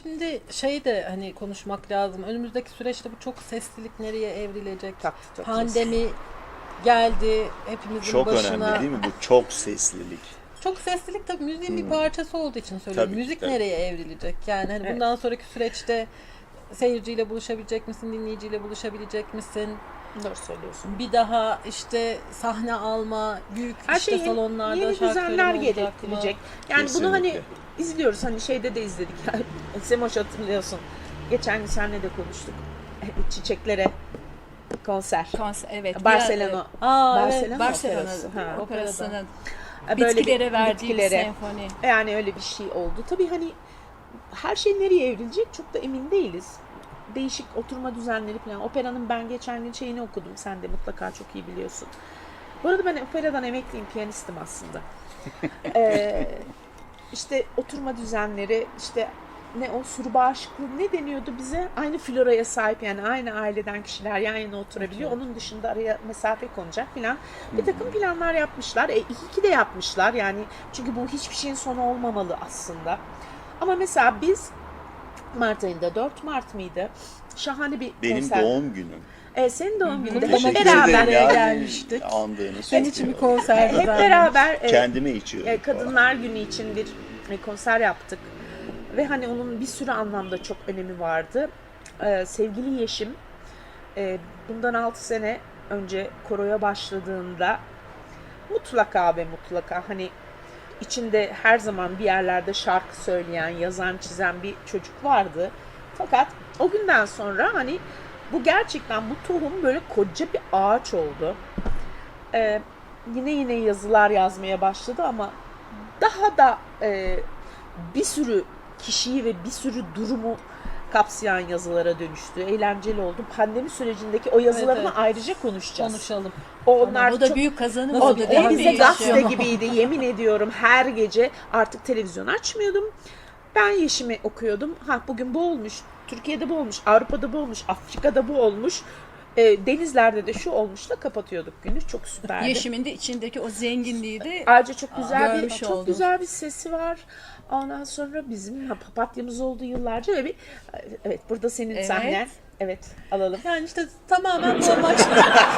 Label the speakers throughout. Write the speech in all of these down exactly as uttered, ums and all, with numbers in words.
Speaker 1: şimdi şey de hani konuşmak lazım. Önümüzdeki süreçte bu çok seslilik nereye evrilecek?
Speaker 2: Tabii, çok
Speaker 1: Pandemi geldi hepimizin
Speaker 3: Çok
Speaker 1: başına.
Speaker 3: önemli değil mi bu çok seslilik?
Speaker 1: Çok seslilik tabii müziğin
Speaker 3: Hmm.
Speaker 1: bir parçası olduğu için söylüyorum.
Speaker 3: Tabii ki,
Speaker 1: Müzik
Speaker 3: tabii.
Speaker 1: nereye evrilecek? Yani hani
Speaker 2: Evet.
Speaker 1: bundan sonraki süreçte seyirciyle buluşabilecek misin, dinleyiciyle buluşabilecek misin?
Speaker 2: Doğru söylüyorsun.
Speaker 1: Bir daha işte sahne alma, büyük
Speaker 2: Her
Speaker 1: işte
Speaker 2: şey yeni,
Speaker 1: salonlarda
Speaker 2: yeni
Speaker 1: şarkı
Speaker 2: düzenler
Speaker 1: söyleme olacak mı?
Speaker 2: gerektirecek. Yani
Speaker 3: Kesinlikle.
Speaker 2: bunu hani izliyoruz, hani şeyde de izledik. Semoş hatırlıyorsun. Geçen gün seninle de konuştuk. Çiçeklere konser.
Speaker 4: Konser, evet.
Speaker 2: Barcelona.
Speaker 1: Aa,
Speaker 2: Barcelona
Speaker 1: evet.
Speaker 4: Barcelona
Speaker 2: Operası. Ha.
Speaker 4: Operası'nın
Speaker 2: Böyle
Speaker 4: bitkilere
Speaker 2: bir-
Speaker 4: verdiği
Speaker 2: bitkilere.
Speaker 4: senfoni.
Speaker 2: Yani öyle bir şey oldu. Tabii hani her şey nereye evrilecek çok da emin değiliz. Değişik oturma düzenleri falan. Operanın ben geçen gün şeyini okudum. Sen de mutlaka çok iyi biliyorsun. Bu arada ben operadan emekliyim, piyanistim aslında. ee, işte oturma düzenleri, işte ne o sürü bağışıklığı ne deniyordu bize? Aynı floraya sahip, yani aynı aileden kişiler yan yana oturabiliyor. Onun dışında araya mesafe konacak falan. Bir takım planlar yapmışlar. E, iyi ki de yapmışlar yani, çünkü bu hiçbir şeyin sonu olmamalı aslında. Ama mesela biz Mart ayında, dört Mart mıydı? Şahane bir
Speaker 3: Benim
Speaker 2: konser.
Speaker 3: doğum günüm.
Speaker 2: E, senin doğum gününde
Speaker 1: Kutlamak
Speaker 2: hep
Speaker 1: için
Speaker 2: beraber
Speaker 1: de
Speaker 3: ya.
Speaker 1: gelmiştik.
Speaker 3: Andığını
Speaker 1: Senin için bir
Speaker 3: söylüyorum.
Speaker 1: konser
Speaker 2: hep
Speaker 1: düzenlemiş.
Speaker 2: beraber e,
Speaker 3: Kendime içiyorum.
Speaker 2: e, Kadınlar Günü için bir e, konser yaptık. Ve hani onun bir sürü anlamda çok önemi vardı. Ee, sevgili Yeşim e, bundan altı sene önce koroya başladığında mutlaka ve mutlaka hani içinde her zaman bir yerlerde şarkı söyleyen, yazan, çizen bir çocuk vardı. Fakat o günden sonra hani bu gerçekten bu tohum böyle koca bir ağaç oldu. Ee, yine yine yazılar yazmaya başladı ama daha da e, bir sürü kişiyi ve bir sürü durumu kapsayan yazılara dönüştü. Eğlenceli oldu. Pandemi sürecindeki o yazılarını
Speaker 1: Evet, evet.
Speaker 2: ayrıca konuşacağız.
Speaker 1: Konuşalım.
Speaker 2: O onlar
Speaker 4: Bu da
Speaker 2: çok,
Speaker 4: büyük kazanım
Speaker 1: Nasıl
Speaker 2: o,
Speaker 4: oldu
Speaker 1: bir-
Speaker 4: değil
Speaker 2: o
Speaker 4: mi?
Speaker 2: bize
Speaker 1: bir
Speaker 2: gazete
Speaker 1: yaşam.
Speaker 2: gibiydi. Yemin ediyorum her gece artık televizyon açmıyordum. Ben Yeşim'i okuyordum. Ha bugün bu olmuş. Türkiye'de bu olmuş. Avrupa'da bu olmuş. Afrika'da bu olmuş. E, denizlerde de şu olmuşla kapatıyorduk günü. Çok süperdi.
Speaker 4: Yeşim'in de içindeki o zenginliği de
Speaker 2: Ayrıca çok güzel bir
Speaker 4: görmüş
Speaker 2: çok
Speaker 4: oldum.
Speaker 2: güzel bir sesi var. Ondan sonra bizim ha, papatyamız oldu yıllarca ve bir evet burada senin
Speaker 4: Evet.
Speaker 2: sahnen. Evet alalım.
Speaker 1: Yani işte tamamen bu amaçla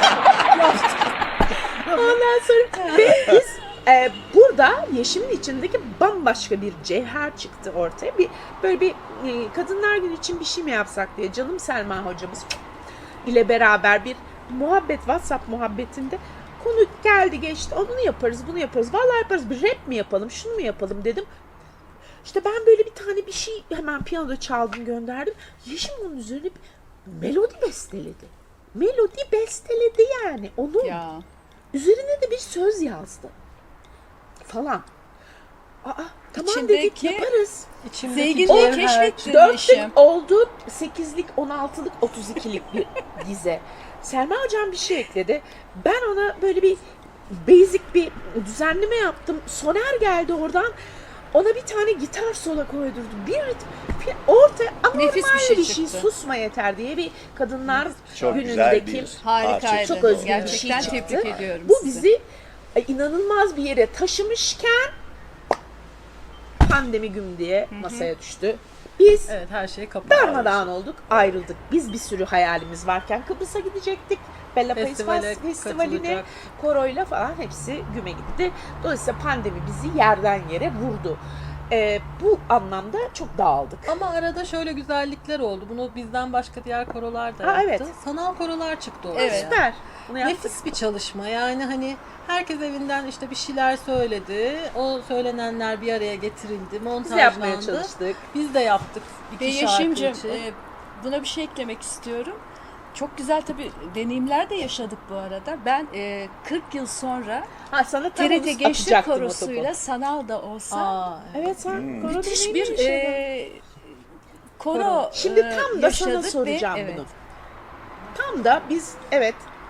Speaker 2: Ondan sonra ve biz e, burada Yeşim'in içindeki bambaşka bir cevher çıktı ortaya. Bir böyle bir e, Kadınlar Günü için bir şey mi yapsak diye canım Selma hocamız ile beraber bir muhabbet, WhatsApp muhabbetinde konu geldi geçti. Onu yaparız, bunu yaparız. Vallahi yaparız. Bir rap mi yapalım, şunu mu yapalım dedim. İşte ben böyle bir tane bir şey hemen piyanoda çaldım, gönderdim. Yeşim onun üzerine bir melodi besteledi. Melodi besteledi yani. Onu
Speaker 4: ya.
Speaker 2: üzerine de bir söz yazdı. Falan. Aa, tamam dedik
Speaker 4: İçindeki
Speaker 2: yaparız.
Speaker 1: içimdeki
Speaker 4: Zenginliği
Speaker 1: cevher-
Speaker 4: keşfettin
Speaker 2: Dörtlük
Speaker 4: Yeşim.
Speaker 2: oldu, sekizlik, on altılık, otuz ikilik bir dize. Selma hocam bir şey ekledi. Ben ona böyle bir basic bir düzenleme yaptım. Soner geldi oradan. Ona bir tane gitar sola koydurdu. Bir ritim, ortaya anormal
Speaker 4: Nefis bir
Speaker 2: bir
Speaker 4: şey
Speaker 2: şey,
Speaker 4: çıktı.
Speaker 2: susma yeter diye bir kadınlar
Speaker 3: Çok güzel
Speaker 2: günündeki
Speaker 3: bir
Speaker 4: Harikaydı.
Speaker 3: parça.
Speaker 2: çok özgün bir
Speaker 4: Gerçekten
Speaker 2: şey çıktı.
Speaker 4: tebrik ediyorum
Speaker 2: Bu
Speaker 4: sizi.
Speaker 2: bizi e, inanılmaz bir yere taşımışken pandemi güm diye masaya düştü. Biz
Speaker 1: Evet, her şey kapalı.
Speaker 2: darmadağın olduk, ayrıldık. Biz bir sürü hayalimiz varken Kıbrıs'a gidecektik. Bella Pace
Speaker 1: Festivale
Speaker 2: Festivali'ne,
Speaker 1: katılacak.
Speaker 2: koroyla falan hepsi güme gitti. Dolayısıyla pandemi bizi yerden yere vurdu. Ee, bu anlamda çok dağıldık.
Speaker 1: Ama arada şöyle güzellikler oldu. Bunu bizden başka diğer korolar da
Speaker 2: Ha,
Speaker 1: yaptı.
Speaker 2: evet.
Speaker 1: Sanal korolar çıktı ortaya.
Speaker 4: Evet.
Speaker 2: Süper. Bunu yaptık.
Speaker 1: Nefis bir çalışma. Yani hani herkes evinden işte bir şeyler söyledi. O söylenenler bir araya getirildi.
Speaker 2: Biz
Speaker 1: Montajlandı.
Speaker 2: de yapmaya çalıştık.
Speaker 1: Biz de yaptık. İki
Speaker 4: Ve
Speaker 1: şarkı
Speaker 4: Yeşim'cim
Speaker 1: için.
Speaker 4: e, buna bir şey eklemek istiyorum. Çok güzel tabii deneyimler de yaşadık bu arada. Ben e, kırk yıl sonra
Speaker 2: Ha, sana tam
Speaker 4: T R
Speaker 2: onu
Speaker 4: T Gençlik
Speaker 2: atacaktım o
Speaker 4: Korosu'yla
Speaker 2: topu.
Speaker 4: sanal da olsa
Speaker 1: Aa, evet.
Speaker 2: Evet sen
Speaker 3: Hmm.
Speaker 2: koro
Speaker 4: müthiş
Speaker 2: deneyimli
Speaker 4: bir
Speaker 2: bir şey.
Speaker 4: e, koro
Speaker 2: Şimdi
Speaker 4: e,
Speaker 2: tam da sana
Speaker 4: yaşadık
Speaker 2: soracağım
Speaker 4: ve,
Speaker 2: bunu.
Speaker 4: evet.
Speaker 2: Tam da biz evet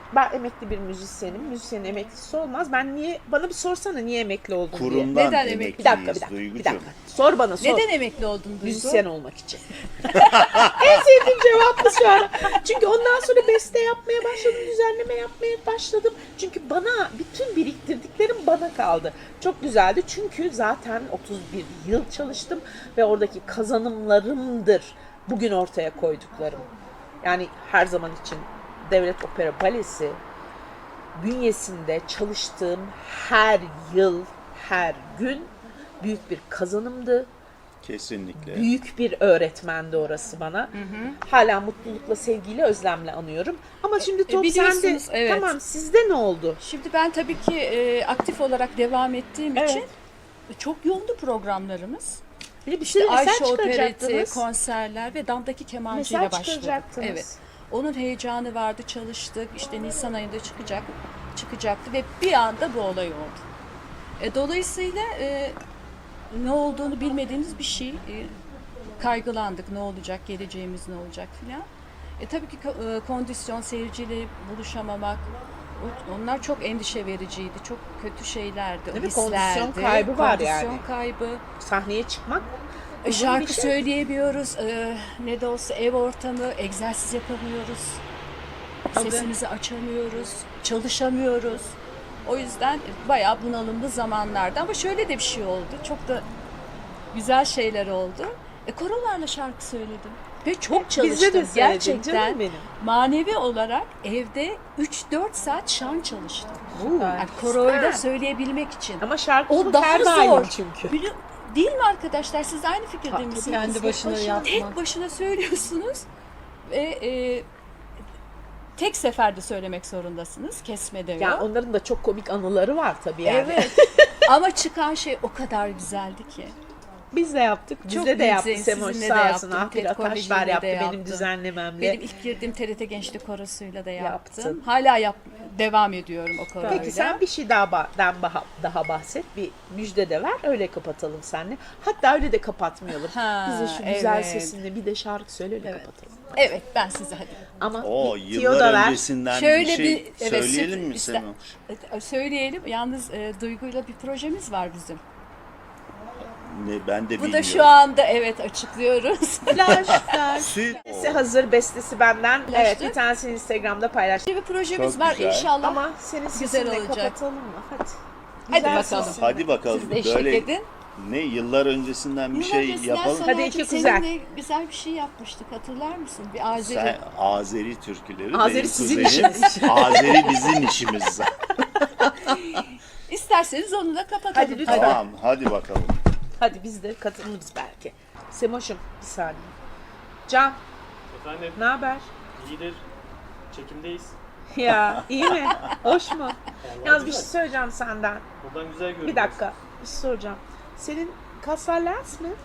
Speaker 2: Ben emekli bir müzisyenim. Müzisyenin emeklisi olmaz. Ben niye, bana bir sorsana niye emekli oldun diye.
Speaker 3: Kurumdan
Speaker 4: Neden
Speaker 3: emekliyiz
Speaker 4: emekli?
Speaker 2: Bir dakika, bir dakika, bir
Speaker 3: Duygucuğum.
Speaker 2: dakika. Sor bana, sor.
Speaker 4: Neden emekli oldun Duygu?
Speaker 2: Müzisyen olmak için. En sevdiğim cevap bu şu an. Çünkü ondan sonra beste yapmaya başladım, düzenleme yapmaya başladım. Çünkü bana, bütün biriktirdiklerim bana kaldı. Çok güzeldi çünkü zaten otuz bir yıl çalıştım ve oradaki kazanımlarımdır bugün ortaya koyduklarım. Yani her zaman için Devlet Opera Balesi bünyesinde çalıştığım her yıl, her gün büyük bir kazanımdı.
Speaker 3: Kesinlikle.
Speaker 2: Büyük bir öğretmendi orası bana. Hala mutlulukla, sevgiyle, özlemle anıyorum. Ama şimdi top
Speaker 4: biliyorsunuz,
Speaker 2: sende.
Speaker 4: evet.
Speaker 2: Tamam, sizde ne oldu?
Speaker 4: Şimdi ben tabii ki e, aktif olarak devam ettiğim
Speaker 2: Evet.
Speaker 4: için çok yoğundu programlarımız.
Speaker 2: Bir de bir sürü
Speaker 4: Ayşe
Speaker 2: eser
Speaker 4: Opereti,
Speaker 2: çıkaracaktınız.
Speaker 4: konserler ve damdaki kemancıyla
Speaker 2: Mesaj
Speaker 4: başladık.
Speaker 2: çıkaracaktınız.
Speaker 4: Evet. Onun heyecanı vardı, çalıştık. İşte Nisan ayında çıkacak, çıkacaktı ve bir anda bu olay oldu. E, dolayısıyla e, ne olduğunu bilmediğimiz bir şey. E, kaygılandık, ne olacak, geleceğimiz ne olacak filan. E, tabii ki ko- e, kondisyon, seyirciyle buluşamamak, o- onlar çok endişe vericiydi. Çok kötü şeylerdi. O
Speaker 2: Değil mi?
Speaker 4: hislerdi.
Speaker 2: Kondisyon kaybı var yani.
Speaker 4: Kondisyon kaybı.
Speaker 2: Sahneye çıkmak
Speaker 4: E,
Speaker 2: uzun
Speaker 4: Şarkı
Speaker 2: bir şey.
Speaker 4: söyleyemiyoruz. E, ne de olsa ev ortamı, egzersiz yapamıyoruz.
Speaker 2: Tabii.
Speaker 4: Sesimizi açamıyoruz, çalışamıyoruz. O yüzden bayağı bunalımlı zamanlarda, ama şöyle de bir şey oldu. Çok da güzel şeyler oldu. E, korolarla şarkı söyledim. Ve çok çalıştım.
Speaker 2: Bizde de söyledin
Speaker 4: Gerçekten
Speaker 2: canım benim.
Speaker 4: manevi olarak evde üç dört saat şan çalıştım.
Speaker 2: Süper.
Speaker 4: Yani koroyla
Speaker 2: Süper.
Speaker 4: söyleyebilmek için.
Speaker 2: Ama şarkı
Speaker 4: O daha
Speaker 2: her
Speaker 4: zor.
Speaker 2: daim çünkü.
Speaker 4: Bili- Değil mi arkadaşlar? Siz de aynı fikirde
Speaker 2: Tabii,
Speaker 4: misiniz?
Speaker 1: kendi başına yapmak.
Speaker 4: Tek başına söylüyorsunuz ve e, tek seferde söylemek zorundasınız. Kesme de yok.
Speaker 2: Yani onların da çok komik anıları var tabii yani.
Speaker 4: Evet. Ama çıkan şey o kadar güzeldi ki.
Speaker 2: Biz de yaptık. Bizde
Speaker 4: Çok
Speaker 2: de yaptı
Speaker 4: güzel,
Speaker 2: Semoş,
Speaker 4: sizinle de
Speaker 2: sağ olsun.
Speaker 4: yaptım,
Speaker 2: Ahmet
Speaker 4: Ted
Speaker 2: Ataşlar
Speaker 4: Koleji'yle
Speaker 2: yaptı
Speaker 4: de
Speaker 2: benim
Speaker 4: yaptım.
Speaker 2: düzenlememle.
Speaker 4: Benim ilk girdiğim T R T Gençlik Korosu'yla da yaptım.
Speaker 2: Yaptın.
Speaker 4: Hala yap devam ediyorum o koroyla.
Speaker 2: Peki sen bir şey daha ba- daha, daha bahset. Bir müjde de ver. Öyle kapatalım seninle. Hatta öyle de kapatmayalım.
Speaker 4: Ha,
Speaker 2: Bize şu güzel
Speaker 4: evet.
Speaker 2: sesinle bir de şarkı söyle öyle
Speaker 4: Evet.
Speaker 2: kapatalım.
Speaker 4: Evet, ben size hadi.
Speaker 2: Ama
Speaker 3: O
Speaker 2: bir tiyo da
Speaker 3: yıllar
Speaker 2: ver.
Speaker 3: öncesinden
Speaker 4: Şöyle
Speaker 3: bir şey
Speaker 4: bir- evet,
Speaker 3: söyleyelim mi
Speaker 4: işte-
Speaker 3: Semoş?
Speaker 4: E, Söyleyelim. Yalnız e, Duygu'yla bir projemiz var bizim.
Speaker 3: Ne, ben de
Speaker 4: Bu
Speaker 3: bilmiyorum.
Speaker 4: da şu anda evet açıklıyoruz.
Speaker 1: Flash, flash.
Speaker 3: Süt.
Speaker 2: Bestesi hazır, bestesi benden.
Speaker 4: Ulaştı.
Speaker 2: Evet, bir tanesini Instagram'da paylaştım.
Speaker 4: bir projemiz
Speaker 3: Çok
Speaker 4: var
Speaker 3: güzel.
Speaker 4: inşallah.
Speaker 2: Ama senin
Speaker 4: Güzel
Speaker 2: sesinle
Speaker 4: olacak.
Speaker 2: kapatalım mı? Hadi.
Speaker 4: Hadi
Speaker 2: Güzel
Speaker 4: bakalım.
Speaker 2: sesin.
Speaker 3: Hadi bakalım.
Speaker 4: Siz de eşlik
Speaker 3: Böyle
Speaker 4: edin.
Speaker 3: ne yıllar öncesinden bir
Speaker 4: Yıllar
Speaker 3: şey
Speaker 4: öncesinden
Speaker 3: yapalım.
Speaker 4: Sanatçım,
Speaker 2: Hadi iki kuzen.
Speaker 4: seninle güzel bir şey yapmıştık, hatırlar mısın? Bir Azeri.
Speaker 3: Sen Azeri türküleri,
Speaker 2: Azeri
Speaker 3: benim
Speaker 2: sizin
Speaker 3: kuzenim.
Speaker 2: işiniz.
Speaker 3: Azeri bizim işimiz.
Speaker 4: İsterseniz onu da kapatalım.
Speaker 2: Hadi lütfen.
Speaker 3: Tamam, hadi bakalım.
Speaker 2: Hadi biz de katılırız belki. Semoş'um bir saniye. Can,
Speaker 5: Efendim,
Speaker 2: ne haber?
Speaker 5: iyidir. Çekimdeyiz.
Speaker 2: Ya iyi mi? Hoş mu?
Speaker 5: Vallahi
Speaker 2: Yalnız bir
Speaker 5: güzel.
Speaker 2: şey söyleyeceğim senden.
Speaker 5: Buradan güzel görünüyor.
Speaker 2: Bir dakika. Bir şey soracağım. Senin kaslar lens mi?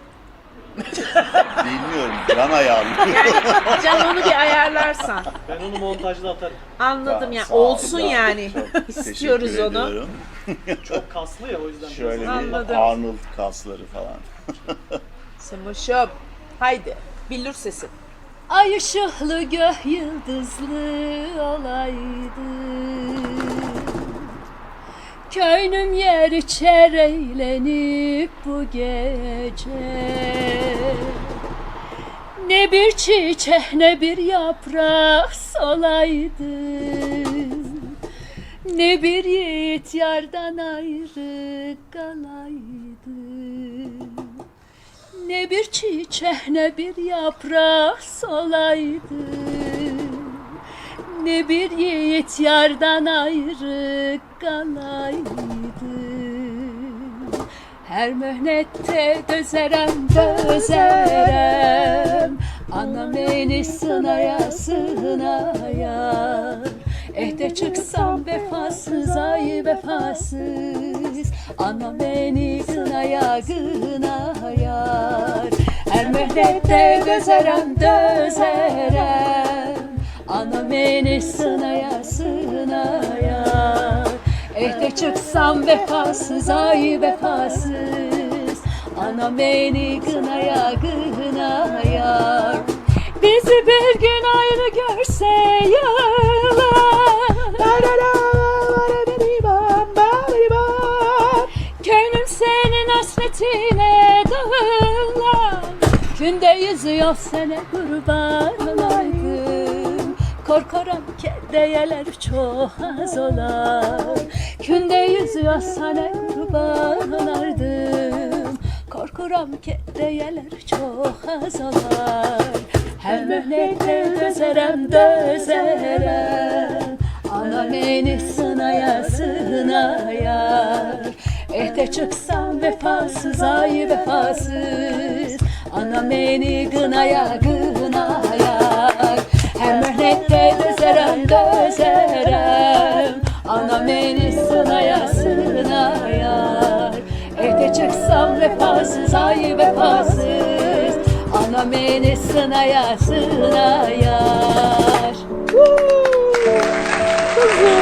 Speaker 3: Bilmiyorum, can ayağım.
Speaker 2: Can onu bir ayarlarsan.
Speaker 5: Ben onu montajda atarım.
Speaker 2: Anladım ya.
Speaker 3: Sağ ol,
Speaker 2: Olsun
Speaker 3: sağ ol.
Speaker 2: yani.
Speaker 3: Çok
Speaker 2: İstiyoruz
Speaker 3: teşekkür
Speaker 2: onu.
Speaker 3: ediyorum.
Speaker 5: Çok kaslı ya, o yüzden.
Speaker 3: Şöyle
Speaker 5: biraz-
Speaker 3: bir
Speaker 2: Anladım.
Speaker 3: Arnold kasları falan.
Speaker 2: Semoş'um. Haydi. Billur sesi.
Speaker 4: Ay ışıklı göh yıldızlı olaydı, köynüm yer içer eğlenip bu gece. Ne bir çiçek ne bir yaprak solaydı, ne bir yiğit yardan ayrı kalaydı. Ne bir çiçek ne bir yaprak solaydı, ne bir yiğit yardan ayrı kalaydı. Her mühnette dözerem dözerem, anam beni sınaya sınaya. Ehde çıksam vefasız ay vefasız, anam beni gınaya gınayar. Her mühnette dözerem dözerem, anam beni sınaya sınayar. Ehde çıksam vefasız ay vefasız, anam beni gınaya gınayar. Bizi bir gün ayrı görse yıllar, Günde yüzüyor sene kurban olaydım. Korkarım ki değerler çok az olar. Günde yüzüyor sene kurban olardım. Korkuram ki değerler çok az olar. Hem möhnette dözerem dözerem. Ana beni sınaya sınaya. Ehte çıksam vefasız ay vefasız. Ana beni gınaya gınaya. Hem möhnette dözerem dözerem. Ana beni sınaya sınaya. Ehte çıksam vefasız ay vefasız. Ana beni sınaya sınayar. Kuzum.